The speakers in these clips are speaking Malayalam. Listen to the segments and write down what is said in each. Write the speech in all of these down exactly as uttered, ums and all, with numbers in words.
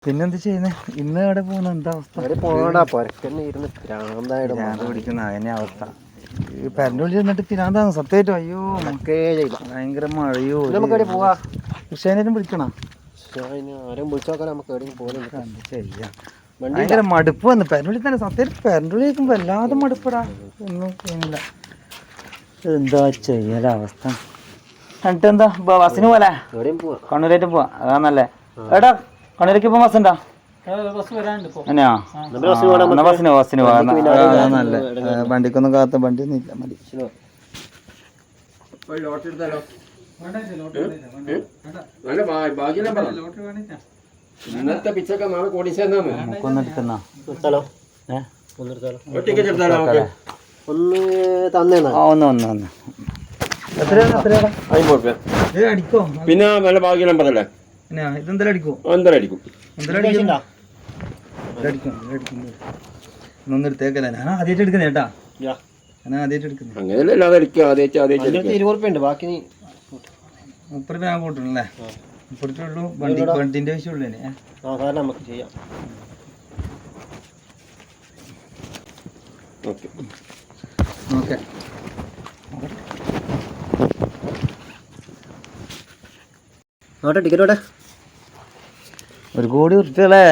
പിന്നെന്ത് ചെയ്യുന്നത്? ഇന്ന് എവിടെ പോകുന്ന എന്താ അവസ്ഥ? പിരാന്ത് പിടിക്കുന്ന അതിനെ അവസ്ഥ. ഈ പരൻ്റെ ചെന്നിട്ട് പിരാന്താണ് സത്യമായിട്ടും. അയ്യോ നമുക്കേ ഭയങ്കര മഴയോ. ഉഷേനേലും വിളിക്കണോ? ചെയ്യാം. ഭയങ്കര മടുപ്പ് വന്ന് പെരണ്ടുള്ളി തന്നെ. സത്യമായിട്ട് പെരണ്ടുള്ളി കേൾക്കുമ്പോൾ വല്ലാതെ മടുപ്പടാ. ഒന്നും ചെയ്യുന്നില്ല. എന്താ ചെയ്യലവസ്ഥ. എന്നിട്ട് എന്താ ബസ്സിന് പോലെ കണ്ണൂരേറ്റ് പോവാ? അതാന്നല്ലേ. എടാ കണ്ണൂരേക്ക് ഇപ്പം ബസ് ഉണ്ടോ? തന്നെയാ? എന്നാ ബസ്സിന് ബസ്സിന് പോകാം. നല്ല വണ്ടിക്കൊന്നും കാത്ത വണ്ടി ഒന്നും ഇല്ല. മതി. നമുക്കൊന്നെടുക്കുന്ന ഒന്ന് ഒന്ന് ഒന്ന് പിന്നെ നല്ല ഭാഗ്യ നമ്പറല്ലേ? ഇതെന്തെല്ലാം അടിക്കും? എന്തെല്ലാം അടിക്കും? ഒന്നും എടുത്തേക്കല്ല. ഞാൻ ആദ്യമായിട്ട് എടുക്കുന്നേ കേട്ടാ. ഞാൻ ആദ്യമായിട്ട് എടുക്കുന്നത്. അങ്ങനെയല്ല അടിക്കുക. ആദ്യമായിട്ട് ആദ്യമായിട്ട് ഇരുപത് റുപ്യ ഉണ്ട്. ബാക്കി മുപ്പത് രൂപ ഞാൻ കൂട്ടണല്ലേ? മുപ്പത് രൂപ ഉള്ളൂ. വണ്ടി വണ്ടിന്റെ ആവശ്യമുള്ളൂ. നമുക്ക് ചെയ്യാം. Okay okay. ടിക്കറ്റോടെ ഒരു കോടി ഉറുപ്പികളെ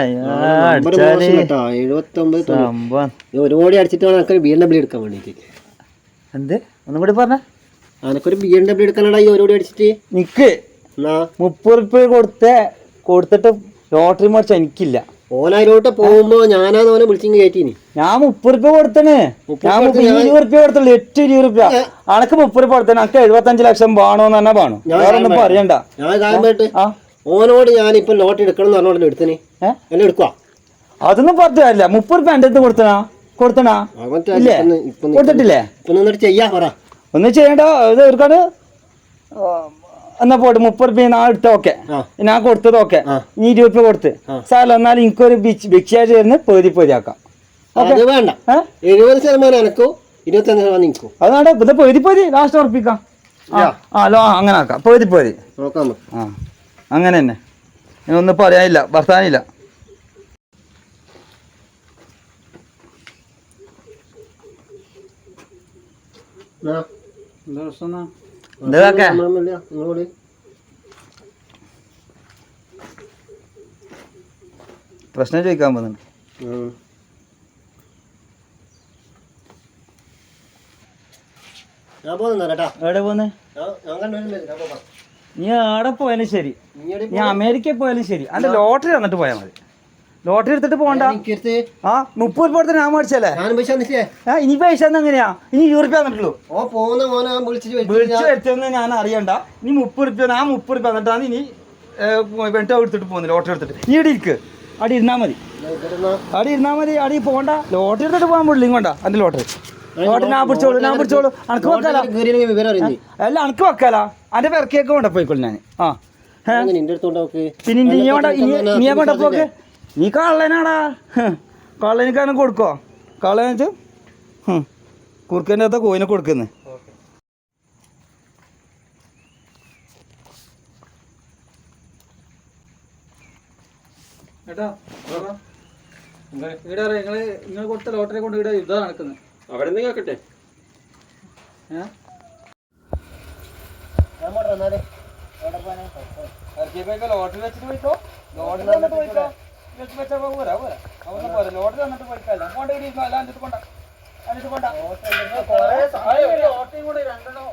ഒരു കോടി അടിച്ചിട്ട് വേണം ബി എം ഡബ്ല്യൂ എടുക്കാൻ വേണ്ടിട്ട്. എന്ത് ഒന്നും കൂടി പറഞ്ഞ? അനക്കൊരു ബി എം ഡബ്ല്യൂ എടുക്കാനാടാ ഈ ഒരു കോടി അടിച്ചിട്ട്. നിക്ക് മുപ്പത് ഉറുപ്പ്യ കൊടുത്ത കൊടുത്തിട്ട് ലോട്ടറി മേടിച്ച എനിക്കില്ല. ഓനായിരോട്ട് പോകുമ്പോ ഞാനാന്ന് ഓനെ വിളിച്ചിങ് കയറ്റീനി. ഞാൻ മുപ്പത് റുപ്യ കൊടുത്തണ്. ഞാൻ ഇരുപത് റുപ്യ കൊടുത്തുള്ളൂ. എട്ട് ഇരുപത് റുപ്യ അനക്ക് മുപ്പത് റുപ്യ കൊടുത്തേ. അനക്ക് എഴുപത്തഞ്ച് ലക്ഷം വേണോന്ന് തന്നെ വേണം. വേറൊന്നും പറയണ്ട. ഞാൻ കാലമായിട്ട് ഓനോട് ഞാനിപ്പൊ ലോട്ടറി എടുക്കണം എന്ന് പറഞ്ഞോണ്ട് എടുത്തിന് എന്നെ എടുക്കുക. അതൊന്നും പറഞ്ഞില്ല. മുപ്പത് റുപ്യ എന്റെ അടുത്ത് കൊടുത്തണാ കൊടുത്തണാ ഇല്ലേ? കൊടുത്തിട്ടില്ലേ? ചെയ്യാ പറ. ഒന്നും ചെയ്യണ്ട. ഇത് ഒരുക്കാട് എന്നാ പോട്ടെ. മുപ്പത് റുപ്യ ഞാൻ എടുത്ത ഓക്കെ. ഞാൻ കൊടുത്തത് ഓക്കെ. നീ ഇരുപത് റുപ്യ കൊടുത്ത് സാറല്ല. എന്നാലും എനിക്കൊരു ഭിക്ഷയായിട്ട് ചേർന്ന് പകുതി പകുതി ആക്കാം. വേണ്ട എഴുപത് ശതമാനം എനക്കോ ഇരുപത്തഞ്ച് ശതമാനം നിൽക്കോ? അതാണ് ഇത് പകുതി പകുതി ലാസ്റ്റ് ഉറപ്പിക്കാം. ആ ലോ അങ്ങനെ ആക്കാം. പകുതി പകുതി നോക്കാം. ആ അങ്ങനെ തന്നെ. ഒന്നും പറയാനില്ല. ഭർത്താനില്ല. പ്രശ്നം ചോദിക്കാൻ പോകുന്നുണ്ട്. എവിടെ പോന്നെ? നീ എവിടെ പോയാലും ശരി, നീ അമേരിക്കയിൽ പോയാലും ശരി, അന്റെ ലോട്ടറി തന്നിട്ട് പോയാൽ മതി. ലോട്ടറി എടുത്തിട്ട് പോകണ്ട. ആ മുപ്പത് രൂപ കൊടുത്ത് ഞാൻ മേടിച്ചല്ലേ. ഇനി പൈസ എങ്ങനെയാ? ഇനി ഇരുപത് റുപ്യ തന്നിട്ടുള്ളൂ. വിളിച്ചു വരുത്തൊന്നും ഞാൻ അറിയണ്ട. ഇനി മുപ്പത് റുപ്യ ഞാൻ മുപ്പത് റുപ്യ തന്നിട്ടാണ് ഇനി വെട്ട എടുത്തിട്ട് പോകുന്നത്. ലോട്ടറി എടുത്തിട്ട് നീ ഇവിടെ ഇരിക്ക്. അടി ഇരുന്നാ മതി. അടി ഇരുന്നാ മതി. അടി പോകണ്ട. ലോട്ടറി എടുത്തിട്ട് പോകാൻ പാടില്ല. ഇങ്ങോട്ടാ അന്റെ ലോട്ടറി. ലോട്ടറി ഞാൻ പിടിച്ചോളൂ. ഞാൻ പിടിച്ചോളൂ. അനക്ക് വെക്കാലോ. അല്ല അനക്ക് വെക്കാലോ. അന്റെ പെരക്കേക്ക് കൊണ്ട പോയിക്കോളൂ ഞാൻ. ആ പിന്നെ നീ വേണ്ട. നീ കൊണ്ട പോക്ക്. നീ കള്ളനാടാ. കള്ളനിക്കാരനെ കൊടുക്കോ? കള്ളന കുറുക്കൻ്റെ അകത്ത കോയിനെ കൊടുക്കുന്നത്. ഏട്ടാ ഇവിടെ നിങ്ങള് നിങ്ങൾ കൊടുത്ത ലോട്ടറി കൊണ്ട് ഇവിടെ യുദ്ധം നടക്കുന്നത്. അവിടെ നിന്ന് കേക്കട്ടെ. ലോട്ടറി വെച്ചിട്ട് പോയിക്കോ. ലോട്ടറി തന്നിട്ട് പോയിക്കോ. പോരാ പോരാ അതൊന്നും പോരാ. ലോട്ടറി തന്നിട്ട് പോയിക്കല്ല. കൊണ്ട അല്ലാണ്ട് കൊണ്ട അതിട്ട് കൊണ്ട ലോട്ടറിയും കൂടെ രണ്ടെണ്ണം